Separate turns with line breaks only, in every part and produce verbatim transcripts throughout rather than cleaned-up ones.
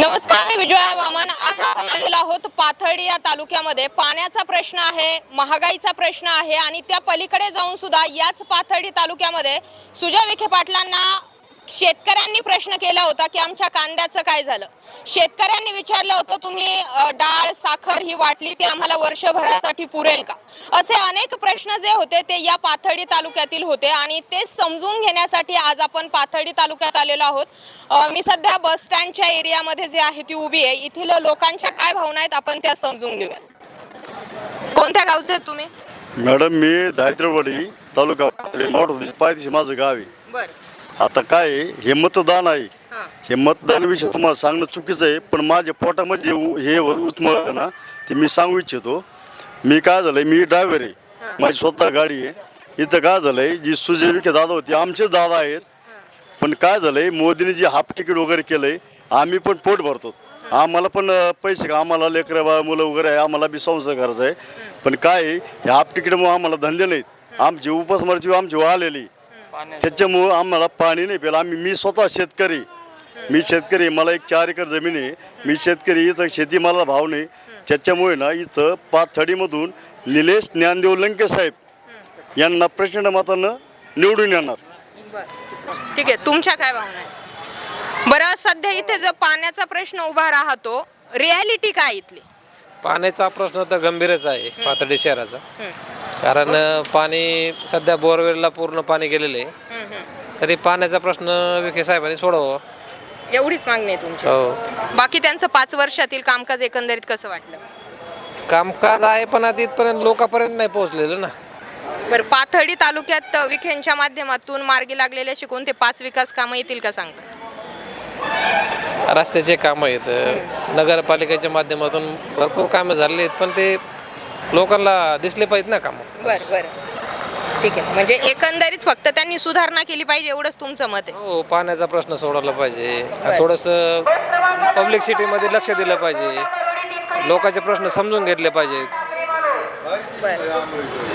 नमस्कार, मी विजया वामन. आज आपण आलेलो आहोत पाथर्डी या तालुक्यामध्ये. पाण्याचा प्रश्न आहे, महागाईचा प्रश्न आहे आणि त्या पलीकडे जाऊन सुद्धा याच पाथर्डी तालुक्यामध्ये सुजय विखे पाटलांना शेतकऱ्यांनी प्रश्न केला होता की आमच्या कांद्याचं काय झालं. शेतकऱ्यांनी विचारलं होतं, तुम्ही डाळ साखर ही वाटली ती आम्हाला वर्षभरासाठी पुरेल का. असे अनेक प्रश्न जे होते ते या पाथर्डी तालुक्यातील होते आणि ते समजून घेण्यासाठी आज आपण पाथर्डी तालुक्यात आलेलो आहोत. मी सध्या बस स्टँडच्या एरियामध्ये जे आहे ती उभी आहे. इथील लोकांच्या काय भावना आहेत आपण त्या समजून घेऊया. कोणत्या गावचे आहेत तुम्ही?
मॅडम, मी दारिद्र्यवाडी तालुका पायथ्याशी माझं गाव आहे.
बरं.
आता काय आहे, हे मतदान आहे. हे मतदानाविषयी तुम्हाला सांगणं चुकीचं आहे, पण माझ्या पोटामध्ये हे उचमळ ना ते मी सांगू इच्छितो. मी काय झालंय, मी ड्रायव्हर आहे, माझी स्वतः गाडी आहे. इथं काय झालंय, जी सुजय विखे दादा होती आमचेच दादा आहेत, पण काय झालंय मोदीने जे हाफ तिकीट वगैरे केलंय आम्ही पण पोट भरतो. आम्हाला पण पैसे का आम्हाला लेकरं बा मुलं वगैरे आहे, आम्हाला बी संसार करायचा आहे. पण काय आहे, हे हाफ तिकीटमुळे आम्हाला धंदे नाहीत. आमची उपासमारची आमची आलेली त्याच्यामुळं आम्हाला पाणी नाही प्यायला. आम्ही मी स्वतः शेतकरी मी शेतकरी मला एक चार एकर जमीन आहे. मी शेतकरी, इथं शेती मला भाव नाही. त्याच्यामुळे ना इथं पाथर्डीमधून निलेश ज्ञानदेव लंके साहेब यांना प्रचंड मतानं निवडून येणार.
ठीक आहे, तुमच्या काय भावना आहे? बरं, सध्या इथे जो पाण्याचा प्रश्न उभा राहतो, रियालिटी काय इथली?
पाण्याचा प्रश्न तर गंभीरच आहे पाथर्डी शहराचा. कारण पाणी सध्या बोरवेलला पूर्ण पाणी गेलेलं आहे. तरी पाण्याचा प्रश्न विखे साहेबांनी सोडवा,
एवढीच मागणी आहे तुमची.
हो.
बाकी त्यांचं पाच वर्षातील कामकाज एकंदरीत कसं वाटलं?
कामकाज आहे पण आता इथपर्यंत लोकांपर्यंत नाही पोहोचलेलं ना.
बरं, पाथर्डी तालुक्यात विखेंच्या माध्यमातून मार्गी लागलेले असे कोणते पाच विकास कामं येतील का सांगता?
रस्त्याचे कामं आहेत, नगरपालिकेच्या माध्यमातून भरपूर कामं झालेली आहेत, पण ते लोकांना दिसले पाहिजेत ना कामं.
बरं बरं, ठीक आहे. म्हणजे एकंदरीत फक्त त्यांनी सुधारणा केली पाहिजे एवढंच तुमचं मत आहे?
हो, पाण्याचा प्रश्न सोडवला पाहिजे, थोडंसं पब्लिक सिटीमध्ये लक्ष दिलं पाहिजे, लोकांचे प्रश्न समजून घेतले पाहिजेत.
बरं,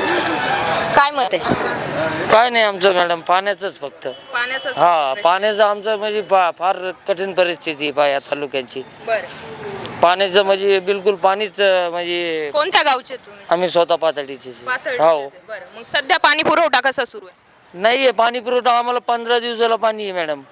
काय मत आहे?
काय नाही आमचं मॅडम, पाण्याचंच फक्त.
पाण्याचं?
हा, पाण्याचं आमचं म्हणजे फार कठीण परिस्थिती आहे या तालुक्यांची.
बरं.
पाण्याचं म्हणजे बिलकुल पाणीच म्हणजे.
कोणत्या गावचे तुम्ही?
आम्ही स्वतः पाथर्डीचे.
हो. बरं, मग सध्या पाणी पुरवठा कसा सुरू आहे?
नाही आहे पाणी पुरवठा, आम्हाला पंधरा दिवसाला पाणी आहे मॅडम.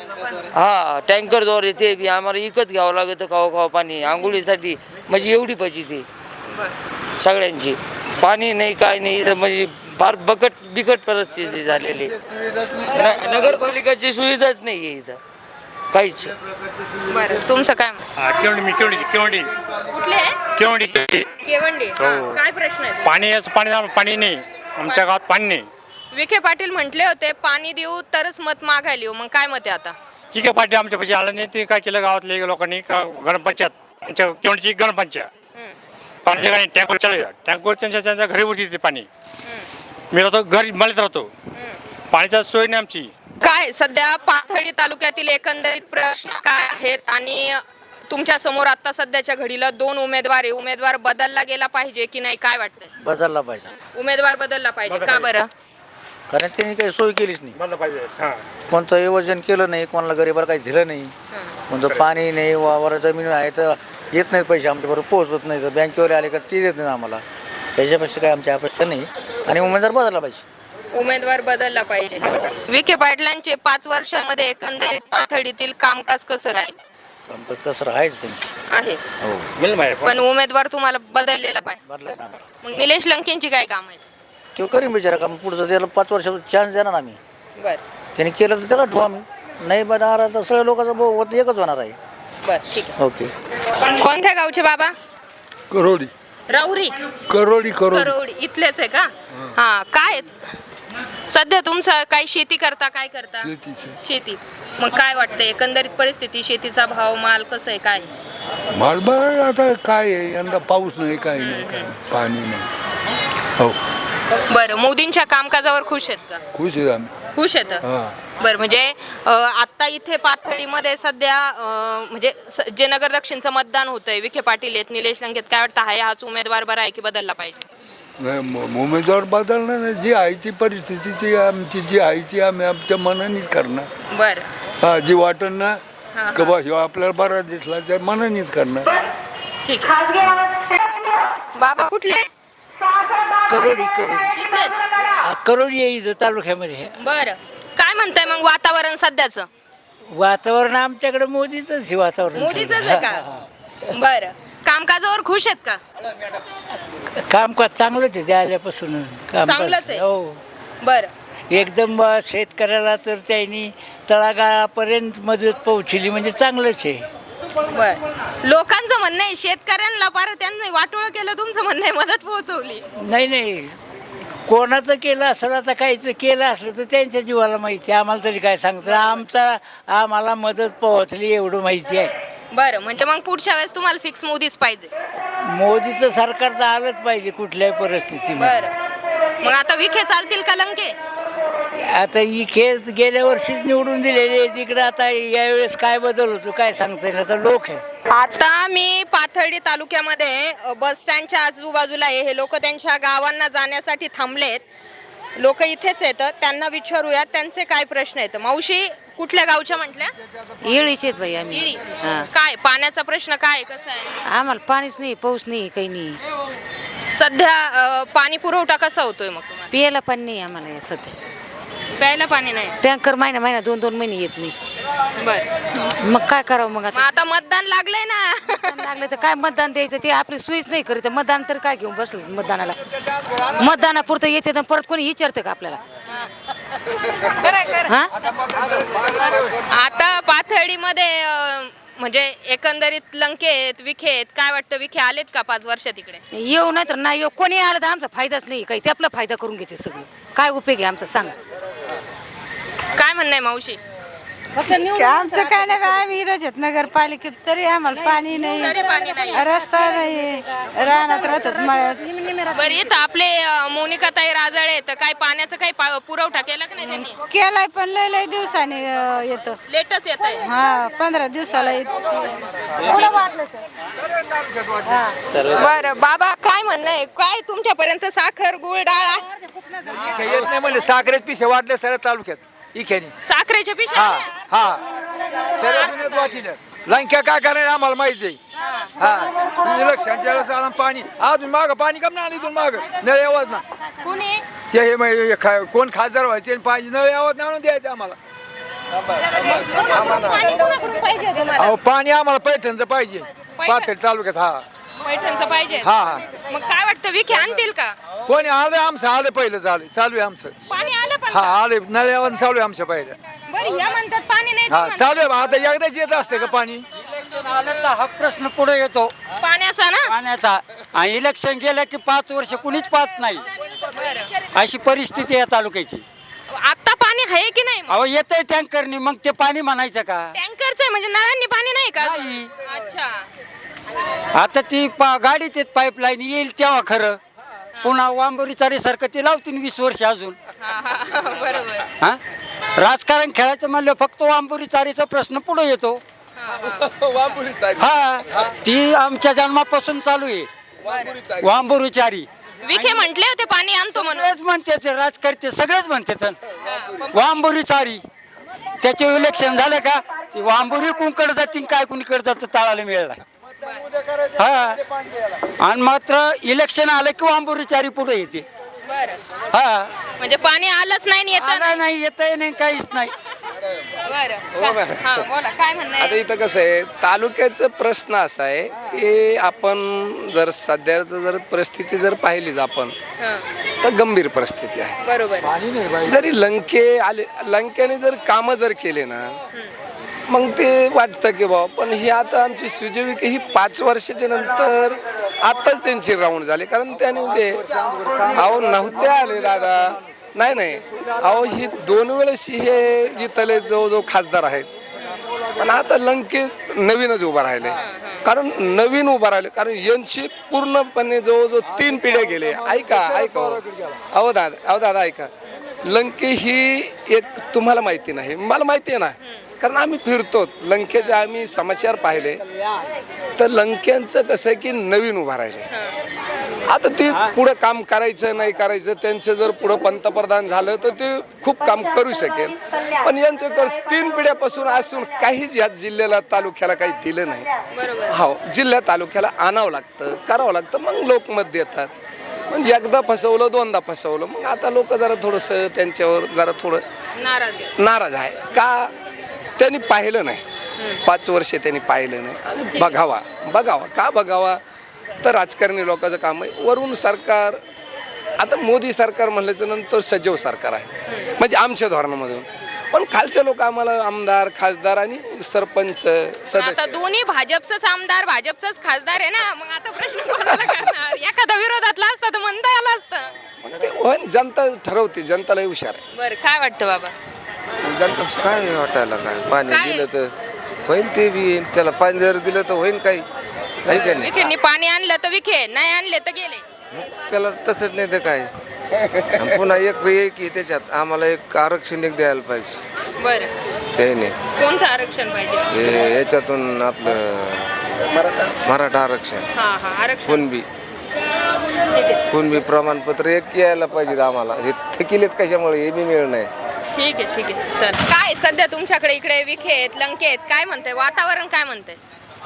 हा, टँकरद्वारे ते बी आम्हाला विकत घ्यावं लागतं खावा खावा पाणी आंघोळीसाठी. म्हणजे एवढी पाहिजे सगळ्यांची. पाणी नाही, काय नाही, म्हणजे फार बकट बिकट परिस्थिती झालेली. नगरपालिकेची सुविधाच नाही आहे इथं काहीच.
बरं, तुमचं काय?
केवंडी मी केवंडी केवंडी
कुठले आहे?
केवंडी
केवंडी. काय प्रश्न आहे?
पाणी पाणी पाणी नाही आमच्या गावात, पाणी नाही.
विखे पाटील म्हटले होते पाणी देऊ तरच मत मागायला येऊ, मग काय मत आहे आता?
ठीक आहे, पाटील आमच्या पैसे आलं नाही. ते काय केलं गावातले लोकांनी, ग्रामपंचायत आमच्या केवंडीची ग्रामपंचायत पाण्याच्या गाडी टँकर चालू टँकर त्यांच्या त्यांच्या घरी उठी ते पाणी. मी राहतो घरी मळत राहतो, पाण्याची सोय नाही आमची.
काय सध्या पाथर्डी तालुक्यातील एकंदरीत प्रश्न काय आहेत आणि तुमच्या समोर आता सध्याच्या घडीला दोन उमेदवार आहे, उमेदवार बदलला गेला पाहिजे की नाही, काय वाटतंय?
बदलला पाहिजे.
उमेदवार बदलला पाहिजे का बरं?
कारण त्यांनी काही सोय केलीच नाही.
बदललं पाहिजे. हां,
कोणतं योजन केलं नाही, कोणाला गरीबाला काही दिलं नाही. कोणतं पाणी नाही, वावर जमीन आहे तर येत नाहीत पैसे आमच्याबरोबर पोहोचत नाही, तर बँकेवर आले का ते देत नाही आम्हाला. त्याच्यापेक्षा काही आमची अपेक्षा नाही आणि उमेदवार बदलला पाहिजे.
उमेदवार बदलला पाहिजे. विखे पाटलांचे पाच वर्षामध्ये एकंदरीत पाथर्डीतील कामकाज कसं राहील?
आमचं तसं आहेच त्यांची
आहे,
हो.
मिळलं पाहिजे.
पण उमेदवार तुम्हाला बदललेला पाहिजे.
बदलायचं आम्हाला.
मग निलेश लंकेंची काय काम आहे?
तो करीन बिचारा काम, पुढचं त्याला पाच वर्षाचा चान्स देणार आम्ही.
बर
त्यांनी केलं तर त्याला ठेवू आम्ही, नाही बनणार तर सगळ्या लोकांचं बहुमत एकच होणार आहे.
बर, ठीक आहे.
ओके.
कोणत्या गावचे बाबा?
करोडी
राऊरी.
करोडी करोडी
करोडी इथलेच आहे का? हा, काय सध्या तुमचं काय शेती करता, काय करता?
शेतीचे
शेती. मग काय वाटतं एकंदरीत परिस्थिती, शेतीचा भाव, माल कसं आहे, काय?
माल बरं आता काय आहे, यंदा पाऊस नाही, काय नाही, काय नाही, पाणी नाही. हो,
बरं, मोदींच्या कामकाजावर खुश आहेत का?
खुश आहे आम्ही.
खुश आहेत. बरं, म्हणजे आता इथे पाथर्डीमध्ये सध्या म्हणजे जे नगर दक्षिणचं मतदान होतंय, विखे पाटील आहेत, निलेश लंकेत, काय वाटतं आहे हाच उमेदवार बरा आहे की बदलला पाहिजे?
उमेदवार बदलणार नाही, जी आहे ती परिस्थितीची आमची जी आहे ती आम्ही आमच्या मनानेच करणार.
बरं.
हा, जी वाटण ना का बा ह्यो आपल्याला बरा दिसला तर मनानेच करणार.
ठीक आहे. बाबा कुठले
करोडी करोडी
तिथलेच?
करोडी आहे इथं तालुक्यामध्ये.
बरं, काय म्हणताय मग वातावरण सध्याचं?
वातावरण आमच्याकडे मोदीच आहे वातावरण.
मोदीच आहे का? बरं, कामकाजावर खुश आहेत का?
कामकाज चांगलंच आहे ते आल्यापासून. कामकाज
चांगलंच आहे.
हो
बरं,
एकदम अ, शेतकऱ्याला तर त्यांनी तळागाळापर्यंत मदत पोहोचली म्हणजे चांगलंच आहे.
बर. लोकांचं म्हणणं आहे शेतकऱ्यांना पार त्यांनी वाटोळं केलं, तुमचं म्हणणं आहे मदत पोहोचवली.
नाही नाही कोणाचं केलं असं आता काहीचं केलं असलं तर त्यांच्या जीवाला माहिती आहे. आम्हाला तरी काय सांगतं, आमचा आम्हाला मदत पोहोचली एवढं माहिती आहे.
बरं, म्हणजे मग पुढच्या वेळेस तुम्हाला फिक्स मोदीच पाहिजे.
मोदीचं सरकार तर आलंच पाहिजे कुठल्याही परिस्थितीमध्ये.
बरं, मग आता विखे चालतील का लंके?
आता ही खेळ गेल्या वर्षीच निवडून दिलेली आहे तिकडे. आता यावेळेस काय बदल होतो काय सांगता येईल. आता लोक आहे.
आता मी पाथर्डी तालुक्यामध्ये अ, बस स्टँडच्या आजूबाजूला आहे. हे लोक त्यांच्या गावांना जाण्यासाठी थांबलेत. लोक इथेच येतात, त्यांना विचारूयात त्यांचे काय प्रश्न आहेत. मावशी कुठल्या गावच्या म्हटल्या?
येळीचे आहेत बाई आम्ही.
इळी.
हा.
काय पाण्याचा प्रश्न काय कसा आहे?
आम्हाला पाणीच नाही, पाऊस नाही, काही नाही.
सध्या अ, पाणी पुरवठा कसा होतोय मग तुम्हाला?
पियाला पाणी नाही आम्हाला या सध्या.
प्यायला पाणी नाही.
टँकर महिना महिना दोन दोन महिने येत नाही.
बर,
मग काय करावं मग
मग
आता?
आता मतदान लागलंय ना.
मतदान लागलं तर काय मतदान द्यायचं, ते आपली सोयीच नाही करीत. मतदान तर काय घेऊन बसलं मतदानाला. मतदानापुरतं येते तर परत कोणी विचारतं का आपल्याला? हा
आता पाथर्डीमध्ये अ, म्हणजे एकंदरीत लंके आहेत, विखे आहेत. काय वाटतं, विखे आलेत का पाच वर्षात इकडे?
येऊ नाही तर नाही येऊ, कोणी आलं तर आमचा फायदाच नाही काही. ते आपला फायदा करून घेते सगळं. काय उपयोग आहे आमचा सांगा?
काय म्हणणं आहे मावशी?
आमचं काय नाही बा, आम्ही इथंच आहेत नगरपालिकेत, तरी आम्हाला पाणी
तरी पाणी नाही.
नाही, रस्ता नाही, रानात राहतात मळ्यात.
बरं, इथं आपले अ, मोनिकाताई राजाळे आहेत, तर काय पाण्याचा काही पा- पुरवठा केला की नाही त्यांनी?
केलाय पण लय लय दिवसाने अं, येतं.
लेटच येत आहे.
हा पंधरा दिवसाला येतं.
बरं बाबा, काय म्हणणं आहे? काय तुमच्यापर्यंत साखर गुळ डाळ आहे?
येत नाही म्हणजे साखरेत पिशे वाटले सर तालुक्यात इखेनी.
साखरेच्या पिशव्या
हा
आल्या?
हा सर्व वाटीनं लंक्या काय करायला आम्हाला माहिती आहे. हा इलेक्शनच्या वेळेस आला पाणी अजून माग पाणी कम ना इथून माग नळ यावंच ना.
कुणी?
ते हे मग हे खा- कोण खासदार व्हायचे पाणी नळ यावत ना आणून द्यायचं आम्हाला.
पाणी कोणाकडून पाहिजे तुम्हाला?
अहो पाणी आम्हाला पैठणचं पाहिजे पाथर्डी तालुक्यात. हा
पैठणचं पाहिजे.
हा हा
मग काय वाटतं, विखे आणतील का?
कोणी आलं आमचं आलं पहिलं चालू चालू आहे आमचं.
पाणी आलं पण
हा
का?
आले नळ यावं चालू आहे आमच्या पहिलं.
बरं, ह्या म्हणतात पाणी नाही.
हा
तुम्हाला.
चालू आहे बा. आता एकदाच येत असते का पाणी?
इलेक्शन आलं तर हा प्रश्न पुढे येतो
पाण्याचा ना.
पाण्याचा. आणि इलेक्शन गेलं की पाच वर्ष कुणीच पाहत नाही,
बरं,
अशी परिस्थिती आहे तालुक्याची.
आता पाणी आहे की नाही?
अहो येतंय टँकरनी, मग ते पाणी म्हणायचं का?
टँकरचं आहे म्हणजे नळांनी पाणी नाही का?
नाही.
अच्छा.
आता ती पा गाडीत येत पाईपलाईन येईल तेव्हा खरं. पुन्हा वांबोरी चारीसारखं ते लावतील वीस वर्ष अजून.
हा, हा, बरोबर.
हा राजकारण खेळायचं म्हणलं फक्त वांबोरी चारीचा प्रश्न पुढे येतो. हा ती आमच्या जन्मापासून चालू आहे वांबोरी चारी.
विखे म्हटले होते पाणी आणतो म्हणून.
सगळेच म्हणते ते राजकर्ते सगळेच म्हणते वांबोरी चारी. त्याचे इलेक्शन झालं का ती वांबोरी कुणकडे जातील काय कुणीकडे जातं ताळाला मिळाला. हा आणि मात्र इलेक्शन आलं की वांबोरी चारी पुढे येते.
बरं,
हा
म्हणजे पाणी आलंच नाही येत.
आलं नाही येतंय नाही काहीच नाही.
बरं, हा, बोला काय म्हणणं
आता
आहे?
इथं कसं आहे, तालुक्याचा प्रश्न असा आहे की आपण जर सध्याचं जर परिस्थिती जर पाहिलीच आपण
हा,
तर गंभीर परिस्थिती आहे.
बरोबर.
जरी लंके आले लंक्याने जर कामं जर केले ना मग ते वाटतं की बाबा, पण ही आता आमची सुजयविखे ही पाच वर्षाच्या नंतर आताच त्यांची राऊंड झाली. कारण त्याने ते अहो नव्हते आले दादा. नाही नाही अहो ही दोन वेळेस हे जिथले जवळजवळ खासदार आहेत, पण आता लंके नवीनच उभा राहिले. कारण नवीन उभा राहिले कारण यांची पूर्णपणे जवळजवळ तीन पिढ्या गेले. ऐका ऐका हो. अहो दादा अहो दादा ऐका, लंके ही एक तुम्हाला माहिती नाही, मला माहिती आहे ना, कारण आम्ही फिरतो लंकेचे आम्ही समाचार पाहिले तर लंक्यांचं कसं आहे की नवीन उभा राहिले. आता ते पुढं काम करायचं नाही करायचं, त्यांचं जर पुढं पंतप्रधान झालं तर ते खूप काम करू शकेल. पण यांच्याकडे तीन पिढ्यापासून असून काहीच या जिल्ह्याला तालुक्याला काही दिलं नाही.
बरोबर.
हो, जिल्ह्या तालुक्याला आणावं लागतं, करावं लागतं, मग लोक मत देतात. म्हणजे एकदा फसवलं दोनदा फसवलं, मग आता लोक जरा थोडंसं त्यांच्यावर जरा थोडं
नाराज आहे.
नाराज आहे का त्यांनी पाहिलं नाही, पाच वर्ष त्यांनी पाहिलं नाही. आणि बघावा बघावा का बघावा तर राजकारणी लोकांचं काम आहे. वरून सरकार, आता मोदी सरकार म्हणल्याच्या नंतर सजव सरकार आहे, म्हणजे आमच्या धोरणामधून. पण खालचे लोक आम्हाला आमदार खासदार आणि सरपंच सदस्य
आता दोन्ही भाजपचंच आमदार भाजपचंच खासदार आहे ना, मग आता प्रश्न कोणाला करणार? एखादा विरोधातला असता तर म्हणता आलं असतं.
मग ते होईन, जनता ठरवते, जनताला हुशार आहे.
बरं, काय वाटतं बाबा?
जनता
काय वाटायला काय पाणी
काय?
दिलं तर होईन, ते बी येईन. त्याला पाणी जर दिलं तर होईन काही काही का नाही.
विखेंनी पाणी आणलं तर विखे, नाही आणले तर गेले.
त्याला तसंच नाही तर काय. आणि पुन्हा एक एक की त्याच्यात आम्हाला एक आरक्षण एक द्यायला पाहिजे.
बरं,
ते नाही
कोणतं आरक्षण पाहिजे?
हे याच्यातून आपलं
मराठा
मराठा आरक्षण,
हा हा आरक्षण.
कुणबी
ठीक आहे
कुणबी प्रमाणपत्र एक यायला पाहिजे आम्हाला. हे थकिलेत कशामुळे हे बी मिळ नाही.
ठीक आहे ठीक आहे चल. काय सध्या तुमच्याकडे इकडे विखे आहेत, लंके आहेत, काय म्हणते वातावरण, काय म्हणते?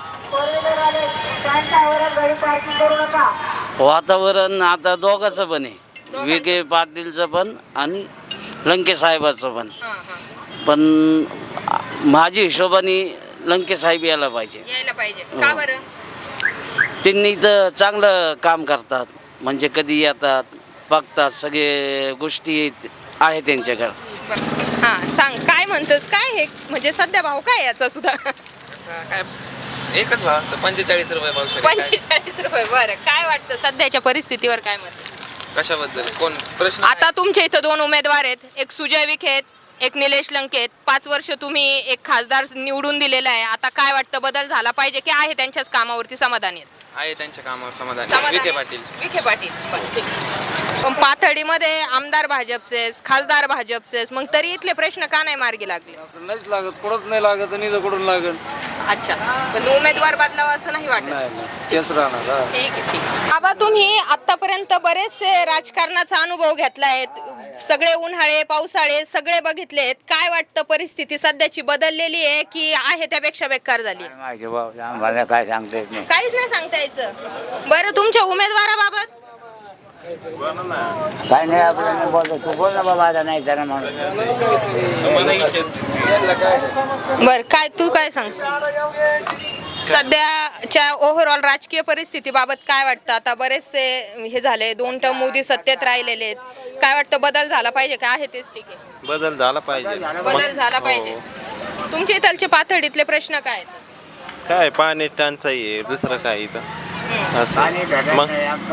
वातावरण आता दोघांचं पण आहे, विखे पाटीलचं पण आणि लंके साहेबाचं पण.
हा हा
पण माझ्या हिशोबाने लंके साहेब यायला पाहिजे.
यायला पाहिजे. का बरं?
त्यांनी तर चांगलं काम करतात, म्हणजे कधी येतात, बघतात, सगळे गोष्टी आहे त्यांच्याकडे.
बरं. हा सांग, काय म्हणतोस? काय हे म्हणजे सध्या भाव काय याचा सुद्धा?
काय एकच भाव असतं, पंचेचाळीस रुपये पाऊस.
पंचेचाळीस रुपये. बरं, काय वाटतं सध्याच्या परिस्थितीवर, काय मत?
कशाबद्दल कोण प्रश्न?
आता तुमच्या इथं दोन उमेदवार आहेत, एक सुजय विखे आहेत, एक निलेश लंके आहेत. पाच वर्ष तुम्ही एक खासदार निवडून दिलेला आहे. आता काय वाटतं, बदल झाला पाहिजे की आहे त्यांच्याच कामावरती समाधानी आहेत?
आहे त्यांच्या कामावर समाधान.
समाधानी?
विखे पाटील.
विखे पाटील. बरं, ठीक आहे. पण पाथर्डीमध्ये आमदार भाजपचेच, खासदार भाजपचेच, मग तरी इथले प्रश्न का नाही मार्गी लागले?
नाहीच लागत, कुठंच नाही लागत आणि इथं कुठून लागत.
अच्छा, पण उमेदवार बदलावा असं नाही वाटत?
तेच राहणार.
ठीक आहे ठीक आहे. बाबा, तुम्ही आतापर्यंत बरेचसे राजकारणाचा अनुभव घेतलाय, सगळे उन्हाळे पावसाळे सगळे बघितलेत. काय वाटतं, परिस्थिती सध्याची बदललेली आहे की आहे त्यापेक्षा बेकार झाली?
आम्हाला काय सांगता येत नाही.
काहीच नाही सांगता यायचं. बरं, तुमच्या उमेदवाराबाबत
काय नाही, आपल्याला बोलतो तू बोल ना बाबा, आता नाही तर म्हणून.
बर, काय तू काय सांग? सध्याच्या ओव्हरऑल राजकीय परिस्थितीबाबत काय वाटतं? आता बरेचसे हे झाले, दोन टर्म मोदी सत्तेत राहिलेले आहेत. काय वाटतं, बदल झाला पाहिजे का आहे तेच ठीक आहे?
बदल झाला पाहिजे.
बदल झाला पाहिजे. तुमच्या इथलचे पाथर्डीतले प्रश्न काय आहेत?
काय पाणी टंचाई आहे, दुसरं काय इथं असं. मग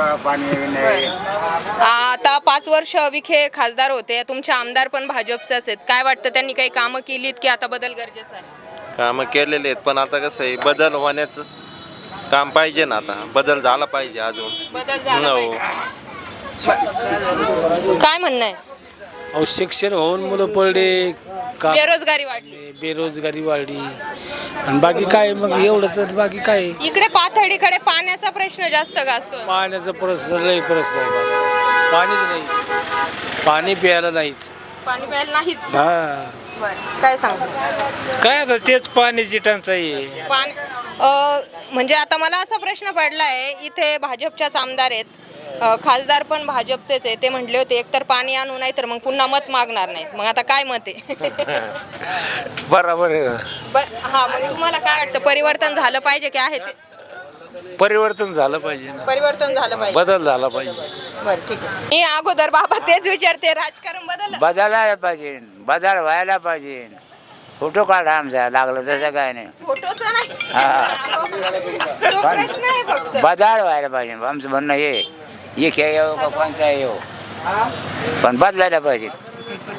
आता पाच वर्ष विखे खासदार होते, तुमचे आमदार पण भाजपचे आहेत. काय वाटतं, त्यांनी काही कामं केलीत की आता बदल गरजेचा आहे?
कामं केलेले आहेत, पण आता कसं आहे, बदल होण्याचं काम पाहिजे ना. आता बदल झाला पाहिजे अजून.
बदल झाला
हो.
पाहिजे. बरं. काय म्हणणं आहे?
अहो, शिक्षण होऊन मुलं पडले, का
बेरोजगारी वाढली.
बेरोजगारी वाढली आणि बाकी काय, मग एवढं तर बाकी काय.
इकडे पाथर्डीकडे पाण्याचा प्रश्न जास्त गाजतो.
पाण्याचा प्रश्न लई प्रश्न आहे. पाणीच नाही, पाणी प्यायला नाहीच.
पाणी प्यायला नाहीच.
हा,
बरं, काय सांग?
काय आता तेच पाण्याची टंचाई आहे.
पाणी अ, म्हणजे आता मला असा प्रश्न पडला आहे, इथे भाजपच्याच आमदार आहेत, अ, खासदार पण भाजपचेच आहे. ते म्हटले होते एकतर पाणी आणू नाही तर मग पुन्हा मत मागणार नाहीत. मग आता काय मत आहे?
बरोबर आहे.
बर, हा, मग तुम्हाला काय वाटतं, परिवर्तन झालं पाहिजे की आहे ते?
परिवर्तन झालं पाहिजे ना,
परिवर्तन झालं पाहिजे.
बदल झाला पाहिजे.
बरं, ठीक आहे. मी अगोदर बाबा तेच विचारते, राजकारण बदल
बदलायला पाहिजे, बदल व्हायला पाहिजे. फोटो काढा आमचा, लागलं तसं काय नाही.
फोटोचा नाही,
हा.
तो प्रश्न आहे फक्त.
बदल व्हायला पाहिजे आमचं म्हणणं. हे एक येऊ का कोणता येऊ, पण बदलायला पाहिजे.